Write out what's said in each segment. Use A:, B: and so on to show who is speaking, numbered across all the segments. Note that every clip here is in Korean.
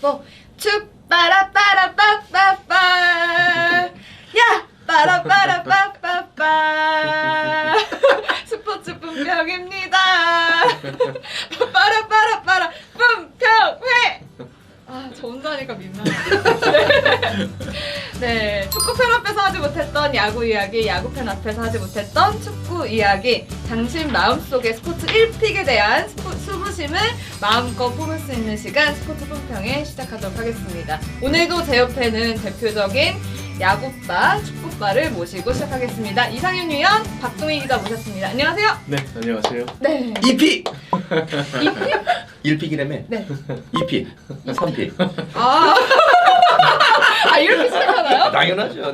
A: 4. 축 빠라빠라빠빠빠 야 빠라빠라빠빠빠 스포츠분평입니다. 빠라빠라빠라 분평회. 아, 저 혼자 하니까 민망하네. 네, 축구팬 앞에서 하지 못했던 야구 이야기, 야구팬 앞에서 하지 못했던 축구 이야기, 당신 마음속의 스포츠 1픽에 대한 수부심을 마음껏 뿜을 수 있는 시간, 스포츠 분평회 시작하도록 하겠습니다. 오늘도 제 옆에는 대표적인 야구빠, 축구빠를 모시고 시작하겠습니다. 이상윤 위원, 박동희 기자 모셨습니다. 안녕하세요.
B: 네, 안녕하세요.
A: 네.
C: 2픽!
A: 2픽?
C: 1픽이라며?
A: 네.
C: 2픽, 3픽.
A: 아, 이렇게 시작하나요?
C: 당연하죠.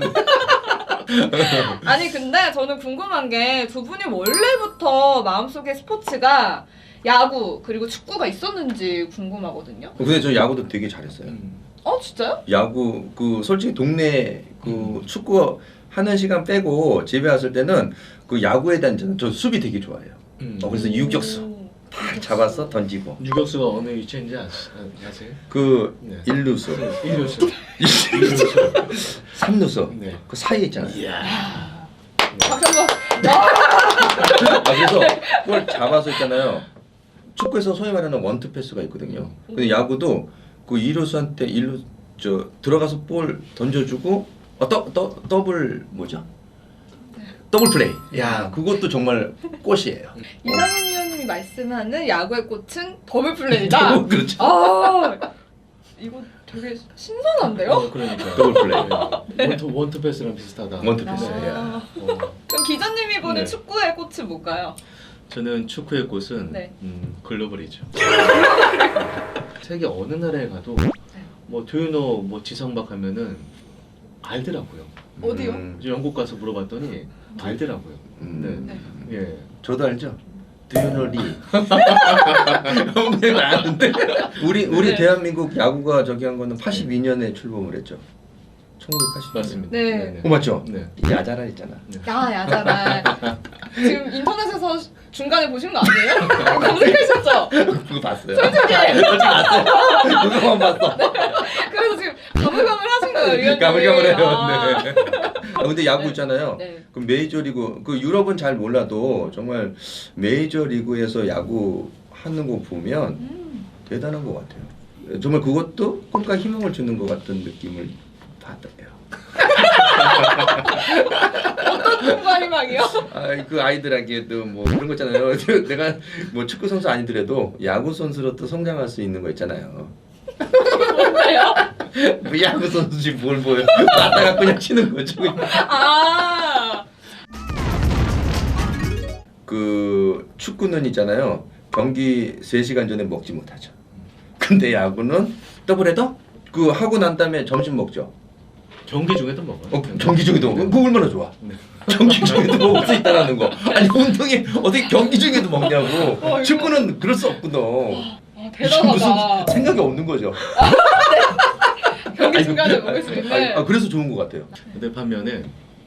A: 아니 근데 저는 궁금한 게 두 분이 원래부터 마음속에 스포츠가 야구 그리고 축구가 있었는지 궁금하거든요.
C: 근데 저 야구도 되게 잘했어요.
A: 진짜요?
C: 야구 솔직히 동네 축구 하는 시간 빼고 집에 왔을 때는 그 야구에 대한 저 수비 되게 좋아해요. 그래서 유격수 탁 잡아서 던지고.
B: 유격수가 어느 위치인지 아세요?
C: 그
B: 네.
C: 1루수,
B: 1루수.
C: 3루수
B: 네.
C: 그 사이에 있잖아요.
B: 이야.
A: 박수 한번.
C: 그래서 그걸 잡아서 있잖아요. 축구에서 소위 말하는 원투 패스가 있거든요. 근데 야구도 그 2루수한테 1루 들어가서 볼 던져주고 더블 뭐죠? 더블 플레이. 야, 그것도 정말 꽃이에요.
A: 이상윤 위원님이 말씀하는 야구의 꽃은 더블 플레이다.
C: 그렇죠.
A: 아, 이거 되게 신선한데요?
B: 그러니까.
C: 더블 플레이.
B: 원투 패스랑 비슷하다.
C: 원투 패스.
A: 아.
B: 어.
A: 그럼 기자님이 보는
B: 네.
A: 축구의 꽃은 뭘까요?
B: 저는 축구의 꽃은
A: 네.
B: 글로벌이죠. 세계 어느 나라에 가도 뭐 도유노 뭐 지성박 하면은 알더라고요.
A: 어디요?
B: 이제 영국 가서 물어봤더니 알더라고요.
C: 네.
B: 예.
C: 저도 알죠. 드유노리. 형님 아는데. 우리
A: 네.
C: 대한민국 야구가 저기 한 거는 82년에 출범을 했죠. 1982년.
B: 맞습니다.
A: 네.
C: 맞죠?
B: 네.
C: 야자라 했잖아.
A: 야잖아. 지금 인터넷에서 중간에 보신 거 아니에요? 검색하셨죠?
C: 그거 봤어요.
A: 솔직히.
C: 봤어요. 그거만 봤어.
A: 그래서 지금 가물가물하신 거예요, 위원님.
C: 가물가물해요.
A: 아.
C: 네. 근데 야구 있잖아요.
A: 네.
C: 그 메이저리그 그 유럽은 잘 몰라도 정말 메이저리그에서 야구 하는 거 보면 대단한 것 같아요. 정말 그것도 꿈과 희망을 주는 것 같은 느낌을 받아요.
A: 어떤 꿈과 희망이요?
C: 그 아이들에게도 뭐 그런 거 있잖아요. 내가 뭐 축구 선수 아니더라도 야구 선수로 또 성장할 수 있는 거 있잖아요.
A: 뭔데요?
C: 뭐 야구 선수지 뭘 보여? 나다가 그냥 치는 거죠.
A: 아.
C: 그 축구는 있잖아요. 경기 3시간 전에 먹지 못하죠. 근데 야구는 더블헤더? 그 하고 난 다음에 점심 먹죠.
B: 경기 중에도 먹어요.
C: 경기 중에도 먹어. 그거 얼마나 좋아.
B: 네.
C: 경기 중에도 먹을 수 있다는 거. 아니 운동이 어떻게 경기 중에도 먹냐고. 축구는 그럴 수 없구나.
A: 대단하다.
C: 무슨 생각이 없는 거죠.
A: 경기 중간에 먹을 수 있는.
C: 그래서 좋은 것 같아요.
B: 근데 반면에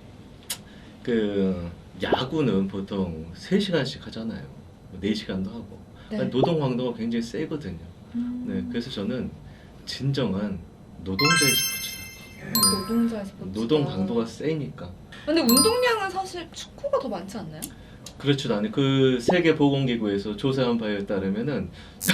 B: 그 야구는 보통 3시간씩 하잖아요. 4시간도 하고.
A: 네.
B: 노동 강도가 굉장히 세거든요. 네, 그래서 저는 진정한 노동자의 스포츠다.
A: 노동자의 스포츠.
B: 노동 강도가 세니까.
A: 근데 운동량은 사실 축구가 더 많지 않나요?
B: 그렇지도 않아요. 그 세계 보건기구에서 조사한 바에 따르면은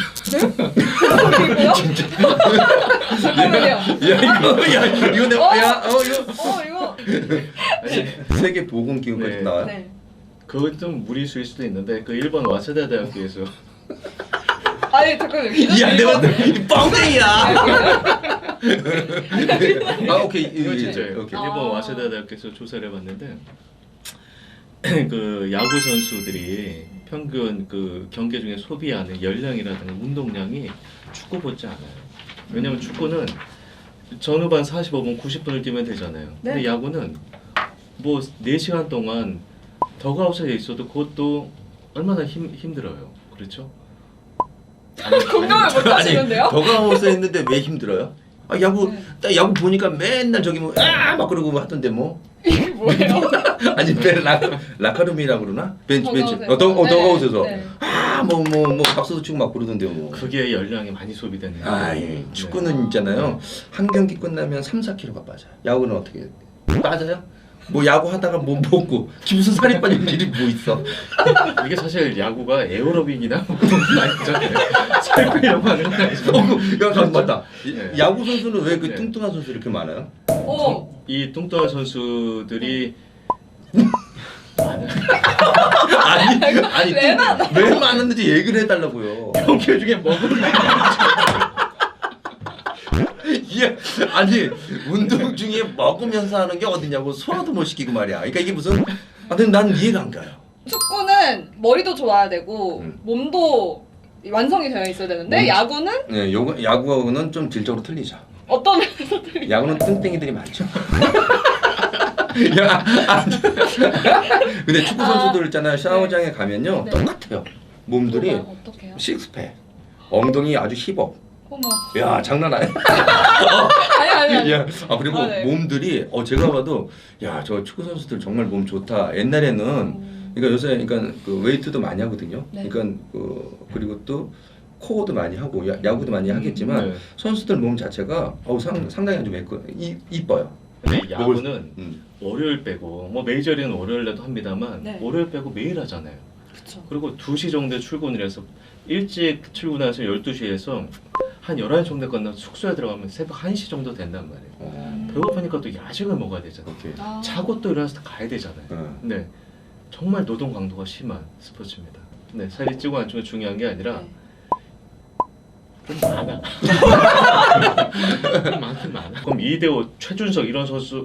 A: 이거요? 잠깐만요.
C: 야 이거 내가 이거
A: 이거.
B: 아니,
C: 세계 보건기구까지
B: 네.
C: 나와요.
A: 네.
B: 그건 좀 무리수일 수도 있는데 그 일본 와세다 대학교에서
A: 아니 잠깐만요.
C: 야 내가 뻥땡이야. 오케이
B: 이거 진짜예요.
C: 오케이.
B: 일본 와세다 대학교에서 조사를 해봤는데 그 야구 선수들이 평균 그 경기 중에 소비하는 열량이라든가 운동량이 축구보다 않아요. 왜냐면 축구는 전후반 45분, 90분을 뛰면 되잖아요.
A: 네.
B: 근데 야구는 뭐 4시간 동안 더그아웃에 있어도 그것도 얼마나 힘들어요. 그렇죠?
A: 공감을 못 하시는데요?
C: 더가웃에 있는데 왜 힘들어요? 야구 딱 야구 보니까 맨날 저기 막 그러고 하던데 뭐.
A: 이게 뭐예요?
C: 아니 라카룸이라고 그러나? 벤치
A: 더가웃에서.
C: 더가웃에서
A: 네.
C: 다 뭐 박수도 치고 막 그러던데요. 뭐.
B: 그게 열량이 많이 소비되는
C: 아, 예. 축구는 있잖아요. 한 경기 끝나면 3, 4kg가 빠져요. 야구는 어떻게 해요? 빠져요? 뭐 야구 하다가 뭐 먹고 무슨 살이 빠진 일이 뭐 있어?
B: 이게 사실 야구가 에어로빅이나 뭐 그런 건 아니잖아요. 살 빼려고 하는 건 아니죠.
C: 야, 맞다.
B: 네.
C: 야구 선수는 왜 그
B: 네.
C: 뚱뚱한 선수 이렇게 많아요?
B: 이 뚱뚱한 선수들이
C: 아니
A: 왜 많아?
C: 왜 많은지 얘기를 해달라고요.
B: 경기 중에 먹으면
C: 이게 아니 운동 중에 먹으면서 하는 게 어디냐고 소화도 못 시키고 말이야. 그러니까 이게 무슨 근데 난 이해가 안 가요.
A: 축구는 머리도 좋아야 되고 몸도 완성이 되어 있어야 되는데 야구는
C: 네, 야구하고는 좀 질적으로 틀리죠.
A: 어떤 면에서 틀리?
C: 야구는 뚱땡이들이 많죠. 야, 근데 축구 선수들 있잖아요. 샤워장에 가면요
A: 네.
C: 똑같아요. 몸들이
A: 어떻게요?
C: 식스팩, 엉덩이 아주 힙업.
A: 어머.
C: 야 장난 아니야.
A: 아니.
C: 야, 그리고
A: 아, 네.
C: 몸들이 제가 봐도 야 저 축구 선수들 정말 몸 좋다. 옛날에는 그러니까 요새 그러니까 그 웨이트도 많이 하거든요.
A: 네.
C: 그러니까 그리고 또 코어도 많이 하고 야구도 많이 하겠지만
B: 네.
C: 선수들 몸 자체가 상당히 좀 이뻐요.
B: 근데 야구는
C: 음.
B: 월요일 빼고 뭐 메이저리는 월요일에도 합니다만
A: 네.
B: 월요일 빼고 매일 하잖아요.
A: 그쵸.
B: 그리고 2시 정도에 출근을 해서 일찍 출근해서 12시에서 한 11시 정도 끝나서 숙소에 들어가면 새벽 1시 정도 된단 말이에요. 배고프니까 또 야식을 먹어야 되잖아요.
C: 오케이.
B: 자고 또 일어나서 가야 되잖아요. 네, 정말 노동 강도가 심한 스포츠입니다. 네, 살이 찌고 안 찌고 중요한 게 아니라
A: 네.
B: 좀 많아. 좀 많긴 많아. 그럼 이대호, 최준석 이런 선수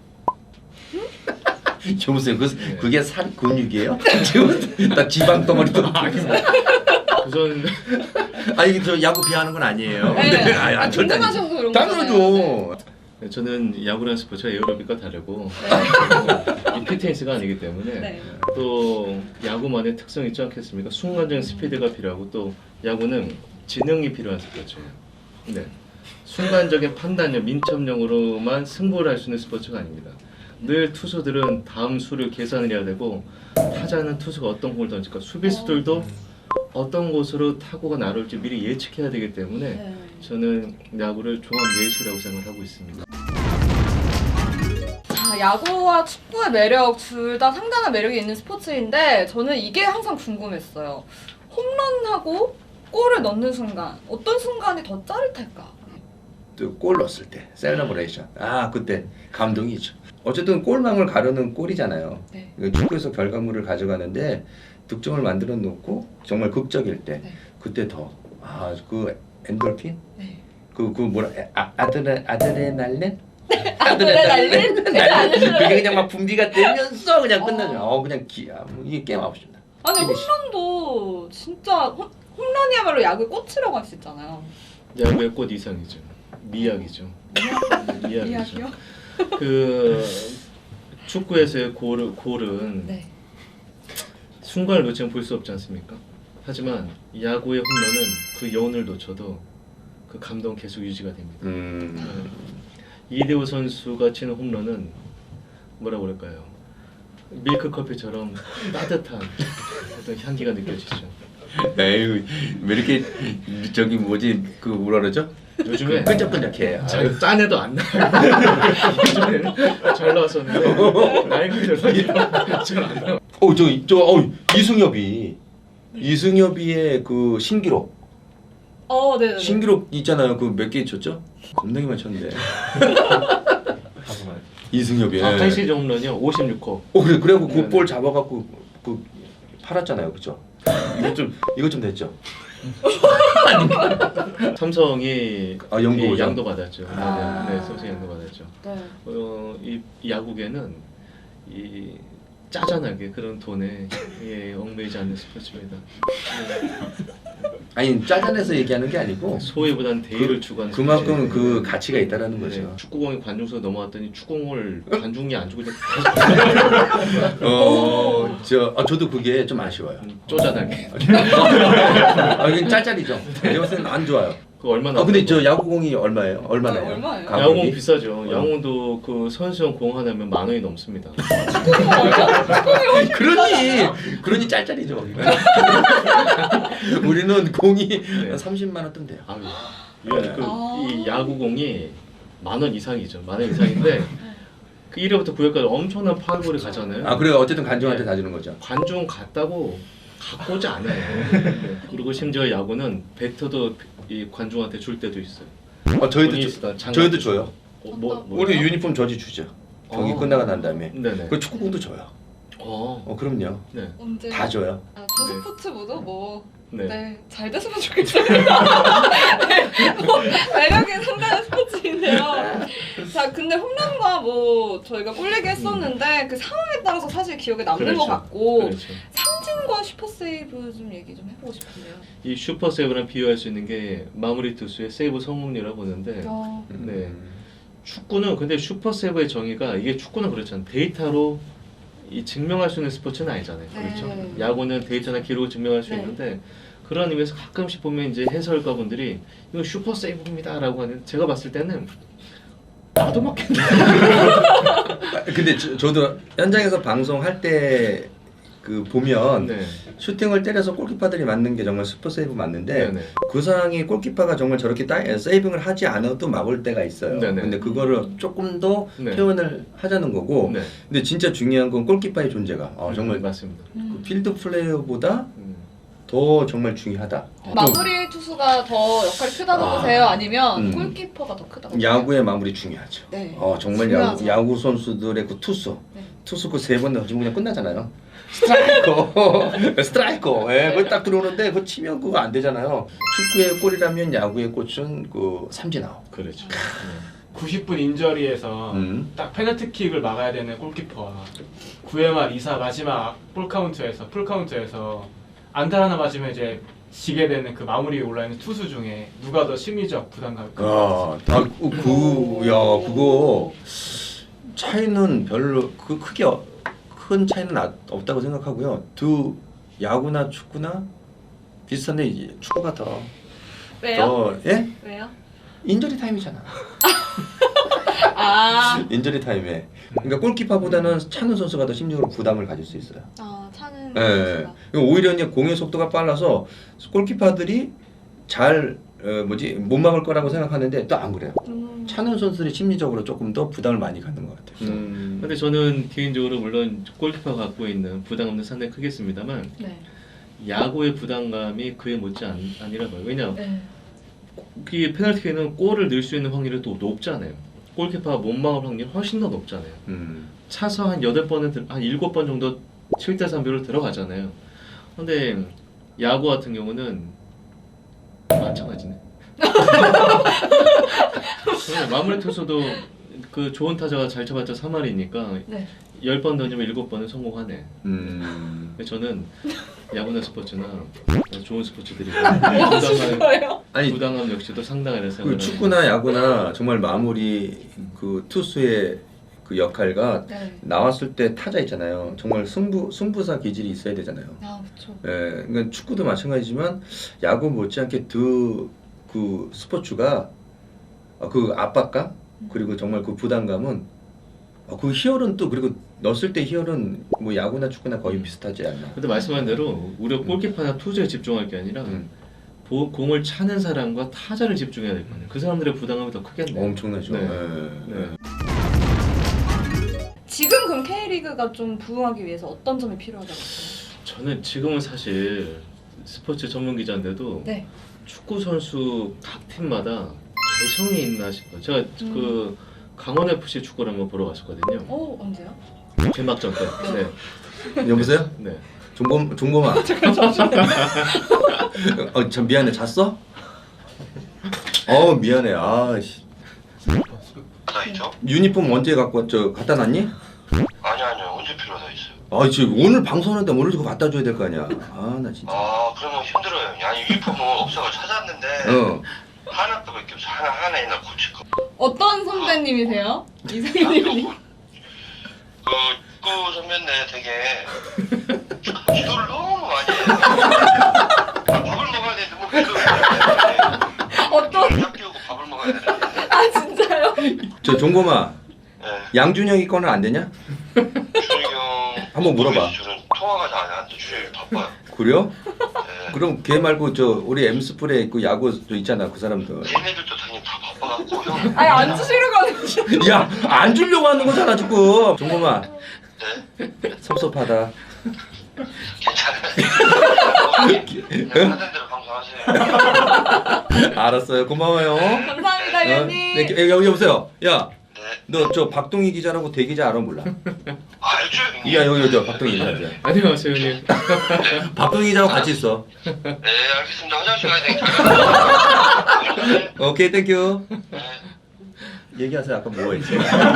C: 여보세요. 그게 살 근육이에요? 지금 나 지방 덩어리도
B: 우선
C: 아니 저 야구 비하는 건 아니에요.
A: 네.
C: 아니, 절대 아니죠.
A: 궁금하셔서 그런 거잖아요.
C: 당연하죠.
B: 네, 저는 야구라는 스포츠가 에어로빅과 다르고 이 피트니스가 아니기 때문에
A: 네.
B: 또 야구만의 특성이 있지 않겠습니까? 순간적인 스피드가 필요하고 또 야구는 지능이 필요한 스포츠예요. 네, 순간적인 판단력, 민첩력으로만 승부를 할 수 있는 스포츠가 아닙니다. 늘 투수들은 다음 수를 계산을 해야 되고 타자는 투수가 어떤 공을 던질까, 수비수들도 어떤 곳으로 타구가 날아올지 미리 예측해야 되기 때문에
A: 네.
B: 저는 야구를 종합 예술이라고 생각하고 있습니다.
A: 자, 야구와 축구의 매력 둘 다 상당한 매력이 있는 스포츠인데 저는 이게 항상 궁금했어요. 홈런하고 골을 넣는 순간 어떤 순간이 더 짜릿할까?
C: 또 골 넣었을 때 셀러브레이션. 그때 감동이죠. 어쨌든 골망을 가르는 골이잖아요.
A: 네.
C: 축구에서 결과물을 가져가는데 득점을 만들어 놓고 정말 극적일 때
A: 네.
C: 그때 더 그 엔돌핀
A: 네.
C: 그 뭐라 아드레날린
A: 아드레날린?
C: 그게 그냥 막 분비가 되면서 그냥 끝나죠. 그냥 이게 게임 아웃입니다.
A: 아니
C: 피니시.
A: 홈런도 진짜 홈런이야말로 야구의 꽃이라고 할 수 있잖아요.
B: 야구의 꽃 이상이죠. 미학이죠. 미학이죠.
A: 이야기요?
B: 그 축구에서의 골은
A: 네.
B: 순간을 놓치면 볼 수 없지 않습니까? 하지만 야구의 홈런은 그 여운을 놓쳐도 그 감동 계속 유지가 됩니다. 이대호 선수가 치는 홈런은 뭐라고 그럴까요? 밀크 커피처럼 따뜻한 어떤 향기가 느껴지죠.
C: 에휴 왜 이렇게 저기 뭐지 그 뭐라 그러죠?
B: 요즘에
C: 끈적끈적해.
B: 짠 애도 안 나요. 예전에는 잘 나왔었는데 나이가 들어서 잘안 나와.
C: 이승엽이의 그 신기록
A: 네네.
C: 신기록 있잖아요. 그 몇 개 쳤죠? 겁나게 많이 쳤는데. 이승엽이.
B: 한 시즌 홈런이요 56호.
C: 그래고 그
B: 네네.
C: 볼 잡아갖고 그 팔았잖아요, 그죠? 이거 좀 됐죠?
B: 삼성이
C: 연구
B: 양도 받았죠.
A: 아.
B: 네, 삼성 양도 받았죠.
A: 네.
B: 이 야구계는 이 짜잔하게 그런 돈에 얽매이지 않는 스포츠입니다.
C: 아니 짜잔해서 얘기하는 게 아니고
B: 소외보단 대의를 추구하는
C: 그만큼
B: 스포츠예요.
C: 그 가치가 있다라는 거죠.
B: 네, 축구공이 관중석 넘어갔더니 축구공을 관중이 안 주고 그냥
C: 저도 그게 좀 아쉬워요.
B: 쪼잔하게.
C: 이건 짤짤이죠. 제가 봤을 때는 안 좋아요.
B: 그 얼마나?
C: 근데 저 야구공이 얼마예요? 얼마나요?
A: 얼마예요?
C: 가격이?
B: 야구공 비싸죠. 야구공도 그 선수용 공 하나면 10,000원이 넘습니다.
C: 그러니 짤짤이죠. 우리는 공이
B: 네.
C: 30만 원 뜬대요.
B: 아유,
C: 네.
B: 이 야구공이 10,000원 이상이죠. 10,000원 이상인데 그 1회부터 9회까지 엄청난 파울볼이 가잖아요.
C: 아 그래요? 어쨌든 관중한테
B: 네.
C: 다 주는 거죠.
B: 관중 같다고 갖고 오지 않아요. 그리고 심지어 야구는 배터도 이 관중한테 줄 때도 있어요.
C: 저희도 줘요.
B: 뭐
C: 우리 유니폼 저지 주죠. 경기 끝나고 난 다음에.
B: 네네.
C: 그 축구공도 줘요. 그럼요.
B: 네.
A: 언제?
C: 다 줘요.
A: 저 스포츠 모두
B: 네.
A: 네, 잘 됐으면 좋겠습니다. 네, 매력이 상당한 스포츠인데요. 자, 근데 홈런과 뭐 저희가 꿀리기 했었는데 그 상황에 따라서 사실 기억에 남는
B: 그렇죠.
A: 것 같고
B: 그렇죠.
A: 상진과 슈퍼세이브 좀 얘기 좀 해보고 싶은데요.
B: 이 슈퍼 세이브랑 비교할 수 있는 게 마무리 투수의 세이브 성공률이라고 보는데 네. 축구는 근데 슈퍼 세이브의 정의가 이게 축구는 그렇잖아요. 데이터로 이 증명할 수 있는 스포츠는 아니잖아요.
A: 네.
B: 그렇죠. 야구는 데이터나 기록을 증명할 수
A: 네.
B: 있는데 그런 의미에서 가끔씩 보면 이제 해설가분들이 이거 슈퍼 세이브입니다라고 하는 제가 봤을 때는 나도 맞겠네.
C: 근데 저도 현장에서 방송할 때 그 보면
B: 네.
C: 슈팅을 때려서 골키퍼들이 맞는 게 정말 슈퍼 세이브 맞는데
B: 네네.
C: 그 상황이 골키퍼가 정말 저렇게 세이빙을 하지 않아도 막을 때가 있어요.
B: 네네.
C: 근데 그거를 조금 더
B: 네.
C: 표현을 하자는 거고.
B: 네.
C: 근데 진짜 중요한 건 골키퍼의 존재가 정말
B: 맞습니다.
C: 그 필드 플레이어보다
B: 음.
C: 더 정말 중요하다.
A: 마무리 투수가 더 역할이 크다고 보세요? 아니면
C: 음.
A: 골키퍼가 더 크다고 보세요?
C: 야구의 마무리 중요하죠.
A: 네.
C: 정말
A: 중요하죠.
C: 야구 선수들의 그 투수
A: 네.
C: 그 3번 던지면 그냥 끝나잖아요. 스트라이커, 스트라이커. 예, 그거 딱 들어오는데 그거 치면 그거 안 되잖아요. 축구의 골이라면 야구의 꽃은 그 삼진 아웃.
B: 그렇죠.
D: 90분 인저리에서
C: 음.
D: 딱 페널티킥을 막아야 되는 골키퍼와 9회 말 2사 마지막 풀카운트에서 안타 하나 맞으면 이제 지게 되는 그 마무리에 올라있는 투수 중에 누가 더 심리적 부담감이 클것 같습니다.
C: 그거 차이는 별로 크게 큰 차이는 없다고 생각하고요. 야구나 축구나 비슷한데 이제 축구가
A: 왜요?
C: 예?
A: 왜요?
C: 인저리 타임이잖아. 인저리 타임에. 그러니까 골키퍼보다는 차는 선수가 더 심리적으로 부담을 가질 수 있어요.
A: 차는
C: 예. 오히려 이제 공의 속도가 빨라서 골키퍼들이 잘 못 막을 거라고 생각하는데 또 안 그래요. 차는 선수들이 심리적으로 조금 더 부담을 많이 갖는 것 같아요.
B: 근데 저는 개인적으로 물론 골키퍼가 갖고 있는 부담감도 상당히 크겠습니다만
A: 네.
B: 야구의 부담감이 그에 못지 아니라 봐요. 왜냐
A: 네.
B: 그 페널티킥은 골을 넣을 수 있는 확률이 또 높잖아요. 골키퍼가 못 막을 확률이 훨씬 더 높잖아요. 차서 한 8번은 한 7번 정도 7대3뷰로 들어가잖아요. 근데 야구 같은 경우는 마찬가지네. 마무리 투수도 그 좋은 타자가 잘 쳐봤자 3할이니까
A: 네.
B: 10번 던지면 7번은 성공하네. 저는 야구나 스포츠나 좋은 스포츠들이 부담감 역시도 상당하다고
C: 그
B: 생각합니다.
C: 축구나 야구나 정말 마무리 그 투수의 그 역할과
A: 네.
C: 나왔을 때 타자 있잖아요. 정말 승부사 기질이 있어야 되잖아요.
A: 그렇죠.
C: 예, 그러니까 축구도 마찬가지지만 야구 못지않게 그 스포츠가 그 압박감 그리고 정말 그 부담감은 그 희열은 또 그리고 넣었을 때 희열은 뭐 야구나 축구나 거의 비슷하지 않나.
B: 근데 말씀한 대로 우리가 골키퍼나 투수에 집중할 게 아니라 공을 차는 사람과 타자를 집중해야 될 거 아니에요. 그 사람들의 부담감이 더 크겠네요.
C: 엄청나죠.
B: 네.
C: 예.
B: 네.
A: 지금 그럼 K리그가 좀 부흥하기 위해서 어떤 점이 필요하다고 보세요?
B: 저는 지금은 사실 스포츠 전문 기자인데도
A: 네.
B: 축구 선수 각 팀마다 개성이 있나 싶어요. 제가 그 강원 FC 축구를 한번 보러 갔었거든요.
A: 언제요?
B: 개막전 때. 네.
C: 여보세요?
B: 네.
C: 종범아. 참 미안해. 잤어? 미안해. 아씨.
E: 있죠?
C: 유니폼 언제 갖다 놨니?
E: 아니요 언제 필요하다 있어요.
C: 지금 오늘 방송하는데 오늘 그거 갖다 줘야 될 거 아니야. 나 진짜.
E: 그러면 힘들어요. 아니 유니폼은 없어서 찾았는데 하나밖에 없어. 하나 있나 고칠 거.
A: 어떤 선배님이세요? 이상님이.
E: 그 선배인데 되게 기도를 너무 많이 해요. 밥을 먹어야 되는데 뭐 기도를 많이 해요.
A: 어떤 아 진짜요?
C: 저 종범아,
E: 네.
C: 양준혁이 거는 안 되냐?
E: 준혁이 형.
C: 한번 물어봐.
E: 저는 통화가 잘 안 돼. 준혁이 바빠요.
C: 그래요?
E: 네.
C: 그럼 걔 말고 저 우리 엠스플에 있고 야구 저 있잖아 그 사람들.
E: 얘네들도 당연히 다 바빠갖고 형.
A: 아니 안 주시려고 하는
C: 야, 안 주려고 하는 거잖아 지금. 종범아,
E: 네.
C: 섭섭하다.
E: 괜찮아요. 그냥 하던 대로 방송하세요.
C: 알았어요. 고마워요.
A: 감사합니다 위원님.
C: 네, 여보세요. 야,
E: 네.
C: 너 저 박동희 기자라고 대기자 알아 몰라?
E: 알죠 형님.
C: 야, 여기 저 박동희 기자.
B: 안녕하세요, 형님.
C: 박동희 기자하고 같이 있어.
E: 네 알겠습니다. 화장실 가야 되니까.
C: 오케이, 땡큐.
E: 네.
C: 얘기하세요. 아까 뭐 했지?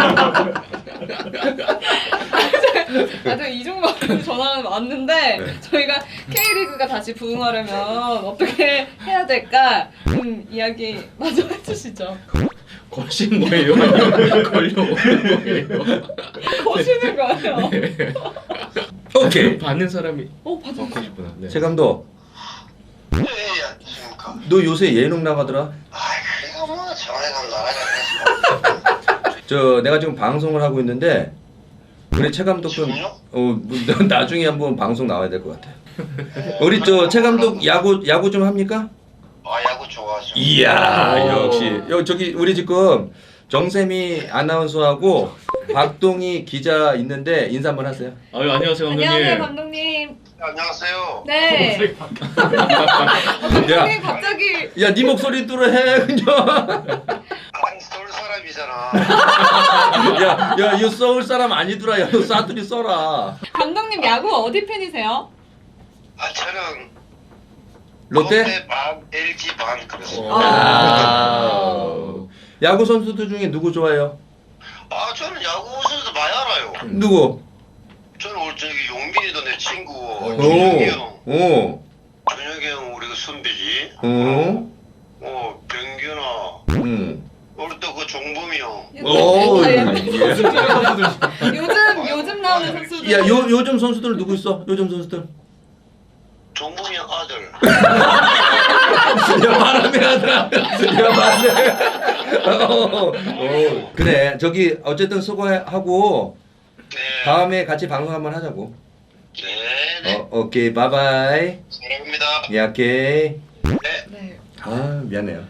A: 아저 이종범 전화가 왔는데
C: 네.
A: 저희가 K리그가 다시 부흥하려면 어떻게 해야 될까 좀 이야기 마저 해주시죠.
B: 거신 거예요? 아니면 걸려오는 거예요?
A: 거시는 거예요.
C: 오케이.
B: 받는 사람이
A: 받은
B: 받고 싶구나. 네.
C: 최 감독,
E: 네 안녕하십니까.
C: 너 요새 예능 나가더라?
E: 그래가 뭐 전화가 나가겠어.
C: 저 내가 지금 방송을 하고 있는데 우리 최 감독 좀
E: 지금요?
C: 나중에 한번 방송 나와야 될 것 같아. 우리 저 최 감독 야구 좀 합니까?
E: 야구 좋아하죠.
C: 이야,
B: 오.
C: 역시. 저기 우리 지금 정세미 아나운서하고 박동희 기자 있는데 인사 한번 하세요.
B: 아유, 안녕하세요, 감독님.
A: 안녕하세요 감독님.
E: 안녕하세요.
A: 네. 감독님 갑자기
C: 야, 네 목소리 들어 해 그냥.
E: 아니 서울 사람이잖아.
C: 야, 이거 서울 사람 아니더라. 야, 너 사투리 써라.
A: 감독님 야구 어디 팬이세요?
E: 저는
C: 롯데?
E: 반, LG 반 그래서.
C: 야구 선수들 중에 누구 좋아해요?
E: 저는 야구 선수 많이 알아요.
C: 누구?
E: 저는 오늘 저기 용빈이도 내 친구.
C: 오.
E: 준혁이 형.
C: 오.
E: 준혁이 형 우리가 선배지.
C: 오.
E: 병균아.
C: 응.
E: 우리 또 그 종범이 형.
C: 오.
A: 아, 예.
C: 예.
A: 요즘 나오는 선수들.
C: 야, 요즘 선수들 누구 있어? 요즘 선수들.
E: 종범이 형 아들.
C: 야, 바람의 아들. 야, 바람의. 그래, 저기 어쨌든 수고하고
E: 네.
C: 다음에 같이 방송 한번 하자고.
E: 네.
C: 오케이, 바이바이.
E: 사랑합니다.
C: 야, 오케이.
A: 네.
C: 아, 미안해요.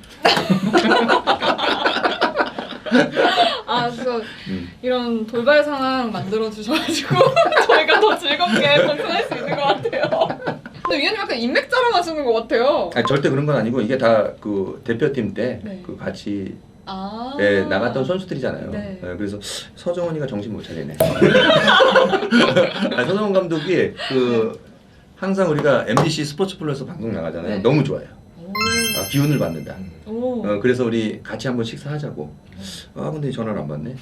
A: 그래서 이런 돌발 상황 만들어 주셔가지고 저희가 더 즐겁게 방송할 수 있는 것 같아요. 근데 위원님 약간 인맥 자랑하시는 것 같아요.
C: 아니, 절대 그런 건 아니고 이게 다 그 대표팀 때
A: 네.
C: 그 같이
A: 아.
C: 나갔던 선수들이잖아요.
A: 네.
C: 그래서 서정원이가 정신 못 차리네. 아니, 서정원 감독이 그 항상 우리가 MBC 스포츠 플러스 방송 나가잖아요.
A: 네.
C: 너무 좋아요.
A: 오.
C: 기운을 받는다.
A: 오.
C: 그래서 우리 같이 한번 식사하자고. 근데 전화를 안 받네.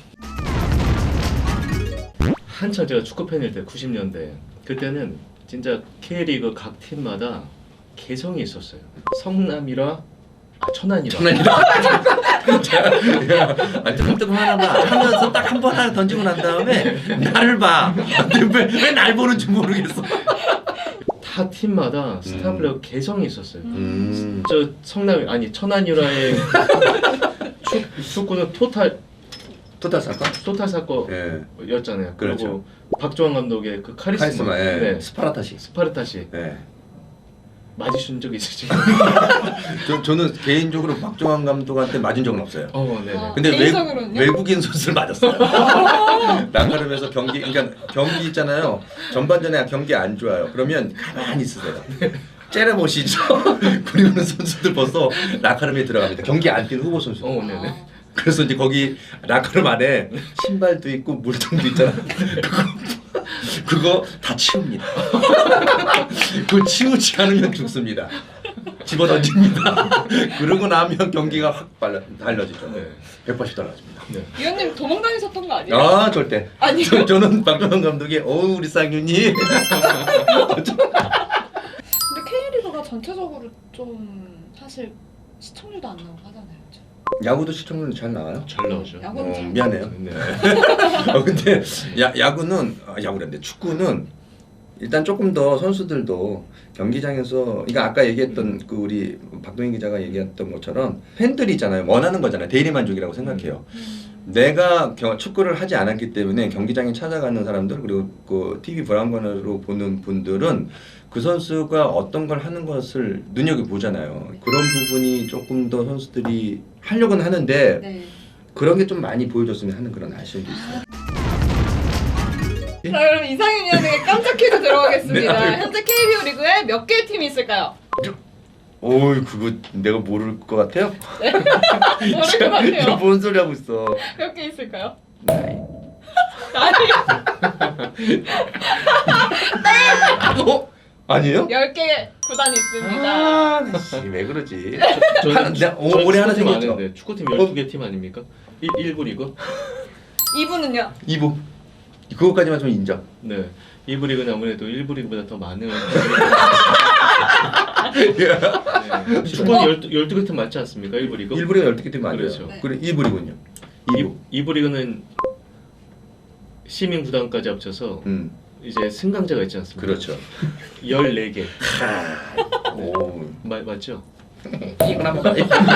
B: 한참 제가 축구 팬일 때 90년대 그때는 진짜 K리그 각 팀마다 개성이 있었어요. 성남이라 천안이라.
C: 아니 조금 하나만 하면서 딱 한 번 하나 던지고 난 다음에 나를 봐. 왜 날 보는지 모르겠어.
B: 타 팀마다 스타 플레이어 개성이 있었어요.
C: 저
B: 성남 아니 천안유라의 축구는 토탈 사건이었잖아요.
C: 예.
B: 그리고
C: 그렇죠.
B: 박주환 감독의 그 카리스마,
C: 예.
B: 네.
C: 스파르타시.
B: 네. 맞으신 적 있으신가요?
C: 저는 개인적으로 박종환 감독한테 맞은 적은 없어요.
B: 네.
C: 근데
A: 개인적으로는요?
C: 외국인 선수를 맞았어요. 나가르면서 그러니까 경기 있잖아요. 전반전에 경기 안 좋아요. 그러면 가만히 있으세요. 째려보시죠. 그리고는 선수들 벌써 라카름에 들어갑니다. 경기 안 뛴 후보 선수.
B: 네네.
C: 그래서 이제 거기 라카름 안에 신발도 있고 물통도 있잖아. 그거 다 치웁니다. 그거 치우지 않으면 죽습니다. 집어 던집니다. 그러고 나면 경기가 확 달라지죠.
B: 네.
C: 180 달라집니다.
B: 네.
A: 위원님 도망 다니셨던 거 아니에요?
C: 절대.
A: 아니요.
C: 저는 박정환 감독이 우리 쌍윤이.
A: 근데 K리그가 전체적으로 좀 사실 시청률도 안 나오고 하잖아요. 그쵸?
C: 야구도 시청률 잘 나와요?
B: 잘 나오죠.
A: 야구는 잘
C: 미안해요.
B: 네.
C: 근데 야구는 야구란데 축구는 일단 조금 더 선수들도 경기장에서 그러니까 아까 얘기했던 그 우리 박동인 기자가 얘기했던 것처럼 팬들이 있잖아요. 원하는 거잖아요. 대리 만족이라고 생각해요. 내가 축구를 하지 않았기 때문에 경기장에 찾아가는 사람들 그리고 그 TV 브라운관으로 보는 분들은 그 선수가 어떤 걸 하는 것을 눈여겨보잖아요. 그런 부분이 조금 더 선수들이 하려고는 하는데
A: 네.
C: 그런 게 좀 많이 보여줬으면 하는 그런 아쉬움도 있어요.
A: 자, 그럼 이상윤 위원에게 깜짝 퀴즈 들어가겠습니다.
C: 네.
A: 현재 KBO 리그에 몇 개의 팀이 있을까요?
C: 어이 그거 내가 모를 것 같아요?
A: 모를 것 같아요.
C: 뭔 소리 하고 있어?
A: 몇 개 있을까요?
C: 나이. 어? 아니에요?
A: 10개 구단이 있습니다.
C: 아, 씨, 왜 그러지?
B: 저는
C: 내가 올해 하나
B: 축구팀
C: 생겼죠?
B: 아는데 축구팀 12개 팀 아닙니까? 1부 리그?
A: 2부는요?
C: 2부. 그거까지만 좀 인정.
B: 네. 2부 리그는 아무래도 1부 리그보다 더 많은 네. 축구는 12개 팀 맞지 않습니까? 1부 리그?
C: 1부리가 12개 팀 아니에요.
B: 그렇죠.
A: 네.
C: 그래 2부리군요. 2부.
B: 2부 리그는 시민 구단까지 합쳐서 이제 승강자가 있지 않습니까?
C: 그렇죠.
B: 14개.
C: 오.
B: 맞죠?
C: 이건 한번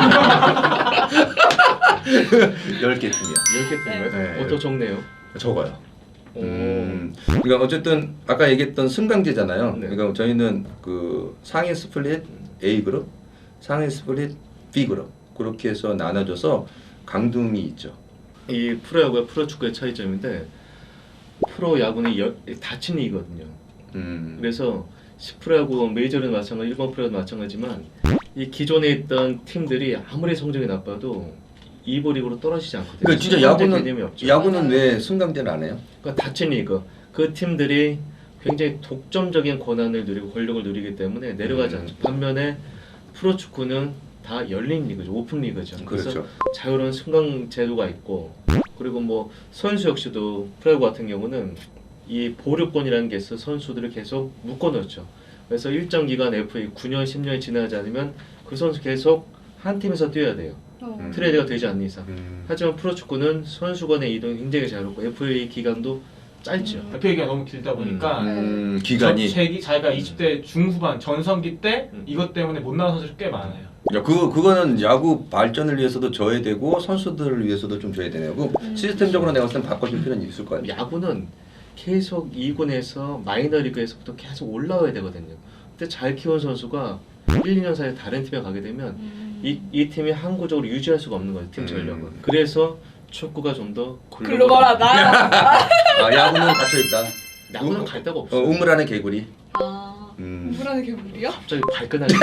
C: 10개 팀이야.
B: 10개 팀이요?
C: 네.
B: 더 적네요.
C: 적어요.
B: 오.
C: 그러니까 어쨌든 아까 얘기했던 승강제잖아요.
B: 네.
C: 그러니까 저희는 그 상위 스플릿 A 그룹, 상위 스플릿 B 그룹 그렇게 해서 나눠져서 강등이 있죠.
B: 이 프로야구와 프로축구의 차이점인데 프로야구는 닫힌 리거든요. 그래서 10프로야구 메이저는 마찬가지, 일본 프로도 마찬가지지만 이 기존에 있던 팀들이 아무리 성적이 나빠도 2부 리그로 떨어지지 않거든요.
C: 그러니까 진짜
B: 개념이 없죠.
C: 야구는 왜 승강제를 안 해요?
B: 그러니까 닫힌 리그. 그 팀들이 굉장히 독점적인 권한을 누리고 권력을 누리기 때문에 내려가지 않죠. 반면에 프로축구는 다 열린 리그죠. 오픈 리그죠. 그래서
C: 그렇죠.
B: 자유로운 승강 제도가 있고 그리고 뭐 선수 역시도 프로야구 같은 경우는 이 보류권이라는 게 있어 선수들을 계속 묶어놓죠. 그래서 일정 기간 FA 9년 10년이 지나지 않으면 그 선수 계속 한 팀에서 뛰어야 돼요. 트레이드가 되지 않는 이상. 하지만 프로축구는 선수 간의 이동이 굉장히 자유롭고 FA 기간도 짧죠.
D: FA가 너무 길다 보니까
C: 기간이.
D: 자기가 20대 중후반 전성기 때 이것 때문에 못 나온 선수들이 꽤 많아요.
C: 야, 그거는 야구 발전을 위해서도 줘야 되고 선수들을 위해서도 좀 줘야 되네요. 그 시스템적으로 내가 봤을 땐 바꿔줄 필요는 있을 것 같아요.
B: 야구는 계속 2군에서 마이너리그에서부터 계속 올라와야 되거든요. 근데 잘 키운 선수가 1, 2년 사이에 다른 팀에 가게 되면 이 팀이 항구적으로 유지할 수가 없는 거예요. 팀 전력은. 그래서 축구가 좀 더
A: 글로벌하다.
C: 아, 야구는 갇혀 있다.
B: 야구는 갈 데가 없어요.
C: 우물 안에 개구리.
A: 아, 우물안의 개구리요?
B: 갑자기 발끈하게.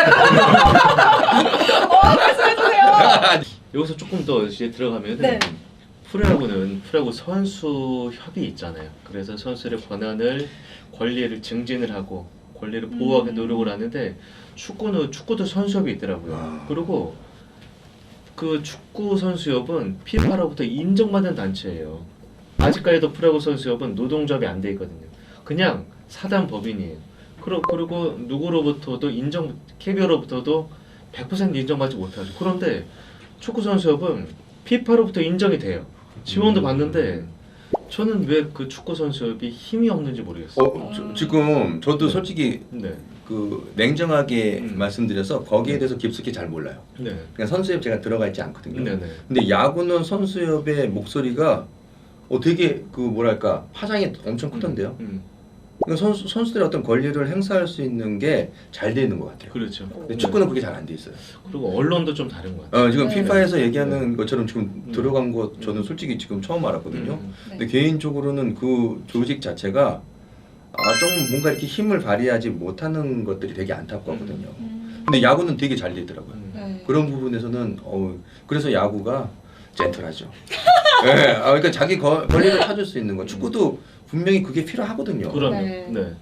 A: 말씀해주세요.
B: 여기서 조금 더 이제 들어가면
A: 네.
B: 프로야구는 프로야구 선수 협의 있잖아요. 그래서 선수들의 권리를 증진을 하고 권리를 보호하기 노력을 하는데 축구도 선수협이 있더라고요. 그리고 그 축구 선수협은 피파로부터 인정받은 단체예요. 아직까지도 프로야구 선수협은 노동조합이 안 돼 있거든요. 그냥 사단 법인이에요. 그리고 누구로부터도 KBO로부터도 100% 인정받지 못하죠. 그런데 축구 선수협은 피파로부터 인정이 돼요. 지원도 받는데 저는 왜 그 축구 선수협이 힘이 없는지 모르겠어요.
C: 지금 저도
B: 네.
C: 솔직히
B: 네.
C: 그 냉정하게 말씀드려서 거기에 대해서 깊숙이 잘 몰라요.
B: 네.
C: 그냥 선수협 제가 들어가 있지 않거든요.
B: 네네.
C: 근데 야구는 선수협의 목소리가 되게 그 뭐랄까 파장이 엄청 크던데요. 그러니까 선수들의 어떤 권리를 행사할 수 있는 게 잘 돼 있는 것 같아요.
B: 그렇죠.
C: 근데 축구는 그게 잘 안 돼 있어요.
B: 그리고 언론도 좀 다른 것 같아요.
C: 지금
A: 네.
C: 피파에서 얘기하는 것처럼 지금 들어간 거 저는 솔직히 지금 처음 알았거든요. 근데 개인적으로는 그 조직 자체가 좀 뭔가 이렇게 힘을 발휘하지 못하는 것들이 되게 안타깝거든요. 근데 야구는 되게 잘 되더라고요.
A: 네.
C: 그런 부분에서는 그래서 야구가 젠틀하죠. 네, 그러니까 자기 권리를 찾을 수 있는 거. 축구도 분명히 그게 필요하거든요.
B: 그럼요.
A: 네.
B: 네.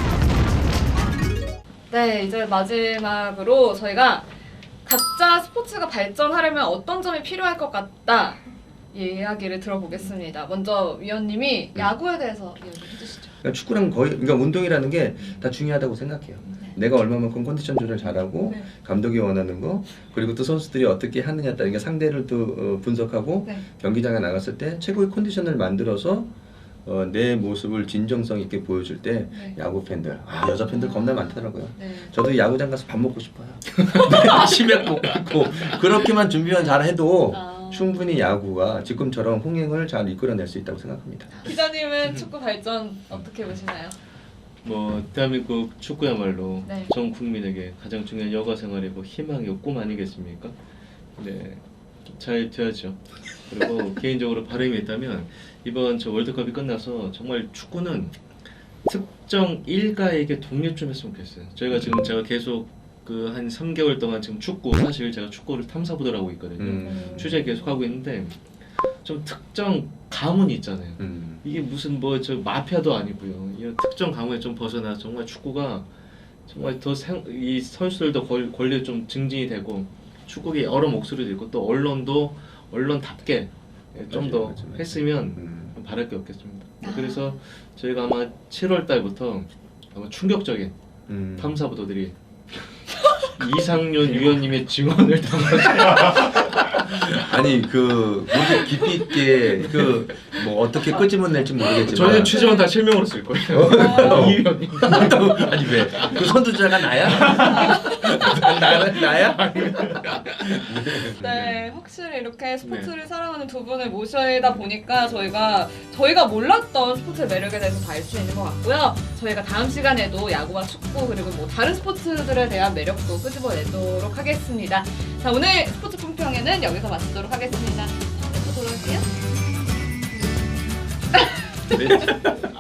A: 네, 이제 마지막으로 저희가 각자 스포츠가 발전하려면 어떤 점이 필요할 것 같다 이야기를 들어보겠습니다. 먼저 위원님이 야구에 대해서 이야기해 주시죠.
C: 그러니까 축구랑 그러니까 운동이라는 게 다 중요하다고 생각해요. 내가 얼마만큼 컨디션 조절 잘하고
A: 네.
C: 감독이 원하는 거 그리고 또 선수들이 어떻게 하느냐 따라 상대를 또 분석하고
A: 네.
C: 경기장에 나갔을 때 최고의 컨디션을 만들어서 내 모습을 진정성 있게 보여줄 때
A: 네.
C: 야구 팬들, 여자 팬들 겁나 많더라고요.
A: 네.
C: 저도 야구장 가서 밥 먹고 싶어요. 치맥 먹고 그렇게만 준비만 잘 해도 충분히 야구가 지금처럼 흥행을 잘 이끌어낼 수 있다고 생각합니다.
A: 기자님은 축구 발전 어떻게 보시나요?
B: 뭐 대한민국 축구야말로
A: 네.
B: 전 국민에게 가장 중요한 여가 생활이고 희망이고 꿈 아니겠습니까? 네, 잘 돼야죠. 그리고 개인적으로 바람이 있다면 이번 저 월드컵이 끝나서 정말 축구는 특정 일가에게 독립 좀 했으면 좋겠어요. 저희가 지금 제가 계속 그 한 3개월 동안 지금 축구, 사실 제가 축구를 탐사보도를 하고 있거든요. 취재 계속 하고 있는데 좀 특정 가문이 있잖아요. 이게 무슨 뭐 저 마피아도 아니고요. 이런 특정 가문에 좀 벗어나 정말 축구가 정말 더 이 선수들도 권리 좀 증진이 되고 축구계 여러 목소리도 있고 또 언론도 언론답게 좀 더
C: 맞아요.
B: 했으면 바랄 게 없겠습니다. 그래서 저희가 아마 7월 달부터 아마 충격적인 탐사보도들이 이상윤 위원님의 증언을 담아서
C: 아니 그 모두 깊이 있게 그 뭐 어떻게 끄집어낼지 모르겠지만
B: 저희는 취재원 다 실명으로 쓸 거예요. 이 위원님.
C: 아니 왜? 그 선두자가 나야? 나야?
A: 네, 확실히 이렇게 스포츠를 사랑하는 두 분을 모셔다 보니까 저희가 몰랐던 스포츠의 매력에 대해서 알 수 있는 것 같고요. 저희가 다음 시간에도 야구와 축구 그리고 뭐 다른 스포츠들에 대한 매력도 끄집어내도록 하겠습니다. 자, 오늘 스포츠 품평회는 여기서 마치도록 하겠습니다. 다음에 또 돌아올게요.
B: 네.